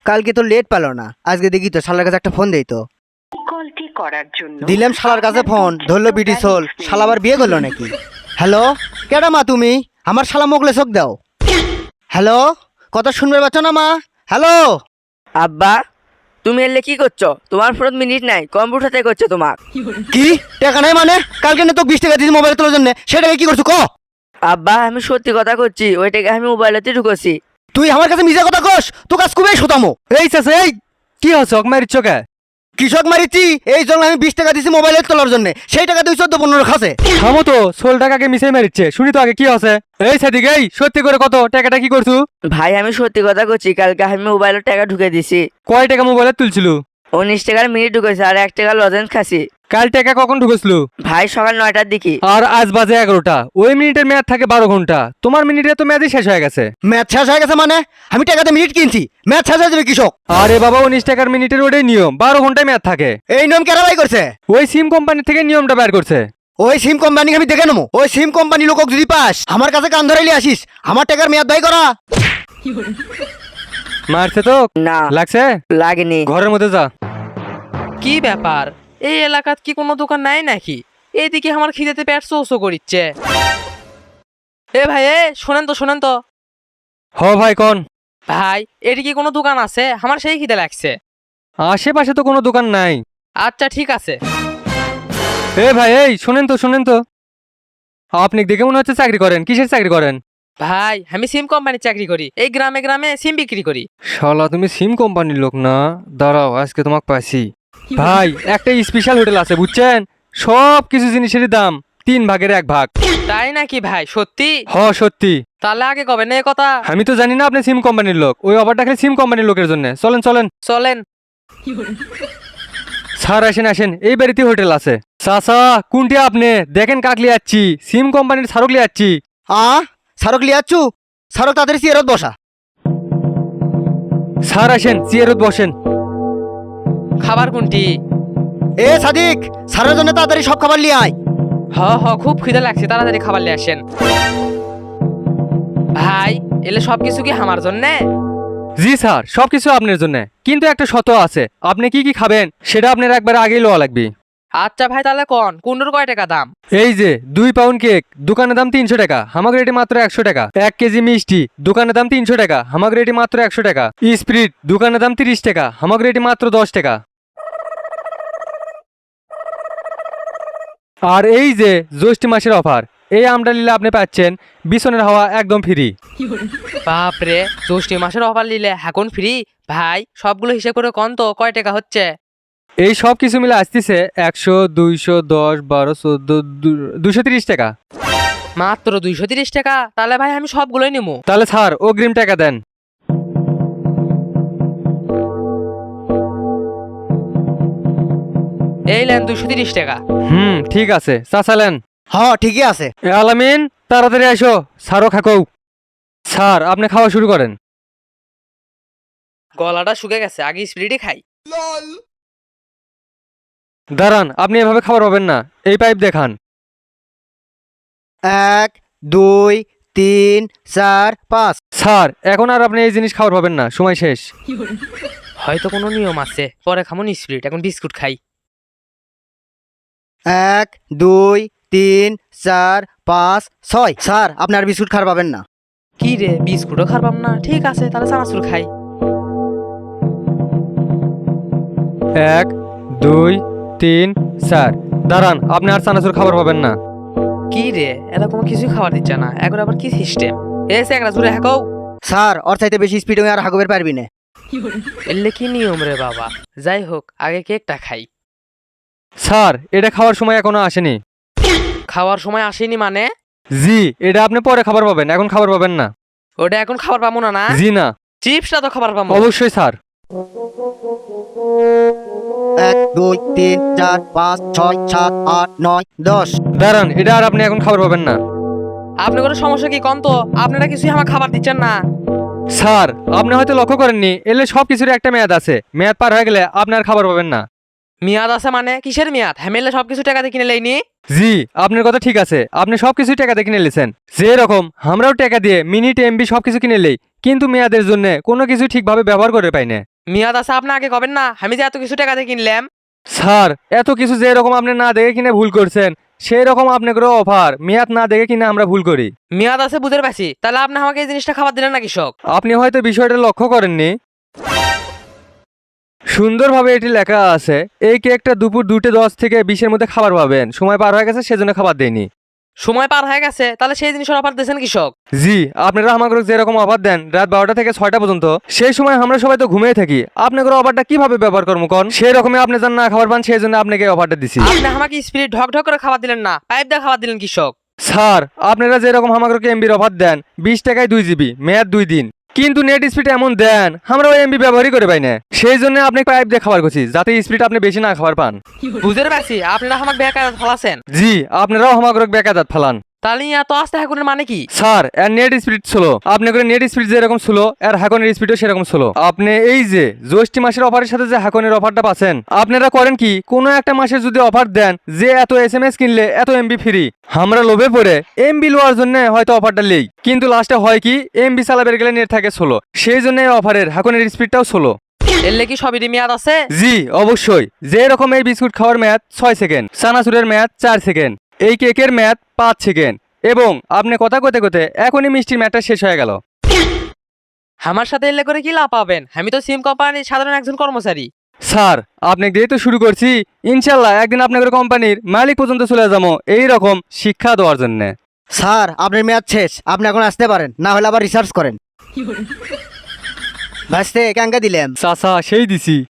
কালকে তো লেট পেলো না, আজকে দেখি তো শালার কাছে একটা ফোন দেই তো। কলটি করার জন্য দিলাম শালার কাছে ফোন, ধরলো বিটি সোল, শালা আবার বিয়ে করলো নাকি? হ্যালো, কেডা মা তুমি? আমার শালা মোগলে চোখ দাও। হ্যালো, কথা শুনবে পাচ্ছ না মা? হ্যালো। আব্বা, তুমি এলে কি করছো? তোমার ফোন মিনিট নাই, কম্পিউটারতে করছো তোমার। কি টাকা নাই মানে? কালকে না তো 20 টাকা দিয়েছি মোবাইল তোলার জন্য, সেটাকে কি করছো ক? আব্বা, আমি সত্যি কথা করছি, ওইটাকে আমি মোবাইলেতে ঢুকেছি। তুই আমার কাছে মিছা কথা কস, তো কাজ খুবই শোতামো। এই চাচা, এই কি হচ্ছে? মারিচ্ছ কে? কৃষক মারিছি, এই জন্য আমি 20 টাকা দিয়েছি মোবাইল তোলার জন্য, সেই টাকা তুই 14-15 খাসে। থামো তো, 16 টাকাকে মিশাই মারিচ্ছে, শুনি তো আগে কি হচ্ছে। এই সাদিক, এই সত্যি করে কত টাকাটা কি করছু? ভাই, আমি সত্যি কথা করছি, কালকে আমি মোবাইলের টাকা ঢুকে দিছি। কয় টাকা মোবাইলে তুলছিল? 19 টাকার মিনিট ঢুকেছে আর 1 টাকা লজেন্স খাসি। কাল টাকা কখন ঢুকেছিল? ভাই, সকাল 9টার দিকে। আর আজ বাজে 11টা, ওই মিনিটের মেয়াদ থাকে 12 ঘন্টা। তোমার মিনিটে তো মেয়াদই শেষ হয়ে গেছে। ম্যাচ শেষ হয়ে গেছে মানে? আমি টাকাতে মিনিট কিনছি, ম্যাচ শেষ হয়ে যাবে কৃষক। আরে বাবা, 19 টাকার মিনিটের ওটাই নিয়ম, 12 ঘন্টায় মেয়াদ থাকে। এই নিয়ম কেন বাই করছে? ওই সিম কোম্পানি থেকে নিয়মটা বের করছে। ওই সিম কোম্পানি আমি দেখে নেবো, ওই সিম কোম্পানি লোকক যদি পাস আমার কাছে কান ধরাইলে আসিস, আমার টাকার মেয়াদ বাই করা। মারছে তো? না, লাগছে? লাগেনি। ঘরের মধ্যে যা। কি ব্যাপার, এই এলাকাত কি কোনো দোকান নাই নাকি? এইদিকে আমার খিদেতে পেট চৌচো করিচ্ছে। এ ভাই, শোনেন তো হ ভাই, কোন? ভাই, এদিকে কোনো দোকান আছে? আমার সেই খিদে লাগছে। আশেপাশে তো কোনো দোকান নাই। আচ্ছা, ঠিক আছে। এ ভাই, এই শোনেন তো, আপনি দেখে মনে হচ্ছে চাকরি করেন। কিসের চাকরি করেন? ভাই, আমি সিম কোম্পানির চাকরি করি, এই গ্রামে গ্রামে সিম বিক্রি করি। শালা, তুমি সিম কোম্পানির লোক না? দাঁড়াও, আজকে তোমাকে পাইছি। ভাই, একটা স্পেশাল হোটেল আছে বুঝছেন, সব কিছু জিনিসেরই দাম 3 ভাগের 1 ভাগ। তাই নাকি ভাই? সত্যি? হ, সত্যি। তাহলে আগে কবে না কথা? আমি তো জানি না আপনি সিম কোম্পানির লোক, ওই অফারটা খালি সিম কোম্পানির লোকের জন্য। চলেন। চলেন। স্যার, আসেন, এই বাড়িতে হোটেল আছে। চাচা, কোনটি আপনি? দেখেন কাকলি যাচ্ছি, সিম কোম্পানির সারকলি যাচ্ছি। সারক লিয়াচ্ছু, সারক তাড়াতাড়ি চেয়ারত বসা। স্যার আসেন, চেয়ারত বসেন। খাবার কোনটি? এ সাদিক, সারের জন্য তাড়াতাড়ি সব খাবার লিয়ে আয়। খুব খিদে লাগছে, তাড়াতাড়ি খাবার নিয়ে আসেন। ভাই, এলে সবকিছু কি আমার জন্যে? জি স্যার, সবকিছু আপনার জন্য, কিন্তু একটা শর্ত আছে। আপনি কি খাবেন সেটা আপনার একবার আগেই লওয়া লাগবে। আচ্ছা ভাই, তাহলে কোনটার কয় টাকা দাম? এই যে 2 পাউন্ড কেক, দোকানের দাম 300 টাকা, হামাগ রেটে মাত্র 100 টাকা। 1 কেজি মিষ্টি, দোকানের দাম 300 টাকা, হামাগ রেটে মাত্র 100 টাকা। স্প্রিট, দোকানের দাম 30 টাকা, হামাগ রেটে মাত্র 10 টাকা। আর এই যে জ্যৈষ্ঠ মাসের অফার, এই আমটা নিলে আপনি পাচ্ছেন বিছনের হাওয়া একদম ফ্রি। বাপরে, জ্যৈষ্ঠ মাসের অফার নিলে এখন ফ্রি? ভাই, সবগুলো হিসেব করে কোন তো কয় টাকা হচ্ছে? এই সব কিছু মিলে আসতেছে 100, 200, 10, 12, 14, 230 টাকা। মাত্র 230 টাকা? তাহলে ভাই আমি সবগুলোই নেবো। তাহলে স্যার অগ্রিম টাকা দেন। এই নেন 230 টাকা। ঠিক আছে, চাচালেন। ঠিকই আছে। আলামিন, তাড়াতাড়ি আসো, স্যারও খাকো। স্যার, আপনি খাওয়া শুরু করেন। গলাটা শুকে গেছে, আগে স্পিরিটই খাই। দাঁড়ান, আপনি এভাবে খাবার পাবেন না, এই পাইপ দেখান। 1, 2, 3, 4, 5। স্যার, এখন আর আপনি এই জিনিস খাবার পাবেন না, সময় শেষ। হয়তো কোনো নিয়ম আছে, পরে খামো স্পিরিট, এখন বিস্কুট খাই। 1, 2, 3, 4, 5, 6। স্যার, আপনি আর বিস্কুট খাবার পাবেন না। কি রে, বিস্কুটও খারবাম না? ঠিক আছে, তাহলে চানাচুর খাই। 1, 2, 3, 4। দাঁড়ান, আপনি আর চানাচুর খাবার পাবেন না। কি রে, এরা কোনো কিছুই খাবার দিচ্ছে না, এখন আবার কি সিস্টেম? এসে একটা জুড়ে হ্যাঁ। স্যার, ওর চাইতে বেশি স্পিড আর হাগবের পারবি না। এলে কি নিয়ম রে বাবা? যাই হোক, আগে কেকটা খাই। স্যার, এটা খাওয়ার সময় এখনো আসেনি। খাওয়ার সময় আসেনি মানে? জি, এটা আপনি পরে খাবার পাবেন, এখন খাবার পাবেন না। ওটা এখন খাবার পাবো না? না, জি না। চিপসটা তো খাবার পাবো। অবশ্যই স্যার। 1, 2, 3, 4, 5, 6, 7, 8, 9, 10। দাঁড়ান, এটা আর আপনি এখন খাবার পাবেন না। আপনি কোনো সমস্যা কি কন তো? আপনারা কিছুই আমার খাবার দিচ্ছেন না। স্যার, আপনি হয়তো লক্ষ্য করেননি, এলে সব কিছুর একটা মেয়াদ আছে, মেয়াদ পার হয়ে গেলে আপনি আর খাবার পাবেন না। মেয়াদ আছে মানে? কিসের মেয়াদ? হ্যামেলে সবকিছু টাকা দিয়ে কিনে লেইনি। জি, আপনার কথা ঠিক আছে, আপনি সবকিছু টাকা দিয়ে কিনে নিয়েছেন। যেরকম আমরাও টাকা দিয়ে মিনিট এমবি সবকিছু কিনে নেই, কিন্তু মেয়াদের জন্য কোনো কিছু ঠিকভাবে ব্যবহার করে পাই না। মেয়াদ আছে আপনি আগে কবেন না, আমি যে এত কিছু টাকা দিয়ে কিনলাম। স্যার এত কিছু যে রকম আপনি না দেখে কিনে ভুল করছেন সেই রকম আপনাকে অফার মেয়াদ না দেখে কিনে আমরা ভুল করি। মেয়াদ আছে বুঝতে পারছি, তাহলে আপনি আমাকে এই জিনিসটা খাবার দিলেন না কৃষক? আপনি হয়তো বিষয়টা লক্ষ্য করেননি, সুন্দরভাবে এটি লেখা আছে এই কেকটা দুপুর 2:10 থেকে 20-এর মধ্যে খাবার পাবেন, সময় পার হয়ে গেছে সেজন্য খাবার দেয়নি। সময় পার হয়ে গেছে, তাহলে সেই জিনিসের অফার দিয়েছেন কৃষক? জি, আপনারা আমাকে যেরকম অফার দেন রাত 12টা থেকে 6টা পর্যন্ত, সেই সময় আমরা সবাই তো ঘুমিয়ে থাকি, আপনাদের অফারটা কিভাবে ব্যবহার করবো কোন? সেই রকমই আপনি যেন না খাবার পান সেই জন্য আপনাকে অফারটা দিছি। আপনি আমাকে স্পিড ঢক ঢক করে খাবার দিলেন না, পাইপ দিয়ে খাবার দিলেন কৃষক। স্যার আপনারা যেরকম আমাকে এমবির অফার দেন 20 টাকায় 2 জিবি মেয়াদ 2 দিন, কিন্তু নেট স্পিড এমন দেন আমরা ওই এমবি ব্যবহারই করে পাই না, সেই জন্য আপনি পাইপ দিয়ে খাবার করছি যাতে স্পিড আপনি বেশি না খাবার পান। বুঝতে পারছি, আপনারা আমাকে বেকার ফলাছেন। জি, আপনারাও আমাকে বেকাদাত ফালান। তাহলে এত আস্তে হাকুনের মানে কি? স্যার এর নেট স্পিড স্লো, আপনি করে নেট স্পিড যেরকম স্লো এর হ্যাকনের স্পিডও সেরকম স্লো। আপনি এই যে জ্যৈষ্ঠ মাসের অফারের সাথে যে হ্যাকনের অফারটা পাচ্ছেন, আপনারা করেন কি কোনো একটা মাসে যদি অফার দেন যে এত SMS কিনলে এত এমবি ফ্রি, আমরা লোভে পড়ে এমবি লওয়ার জন্য হয়তো অফারটা লেই, কিন্তু লাস্টে হয় কি এমবি চালাবের গেলে নেট থাকে স্লো, সেই জন্য এই অফারের হ্যাকনের স্পিডটাও স্লো। এলে কি সবই মেয়াদ আছে? জি অবশ্যই, যে রকম এই বিস্কুট খাওয়ার মেয়াদ 6 সেকেন্ড, চানাচুরের মেয়াদ 4 সেকেন্ড, এই কেকের মেয়াদ 5 সেকেন্ড, এবং আপনি কথা কতে কতে এখনই মিষ্টির মেয়াদটা শেষ হয়ে গেল। আমার সাথে এলে করে কি লাভ পাবেন? আমি তো সিম কোম্পানির সাধারণ একজন কর্মচারী। স্যার আপনি দিয়ে তো শুরু করছি, ইনশাল্লাহ একদিন আপনাদের কোম্পানির মালিক পর্যন্ত চলে যাবো এই রকম শিক্ষা দেওয়ার জন্য। স্যার আপনার মেয়াদ শেষ, আপনি এখন আসতে পারেন, না হলে আবার রিসার্চ করেন। ভাসতে ক্যাঙ্গা দিলাম। চাচা সেই দিছি।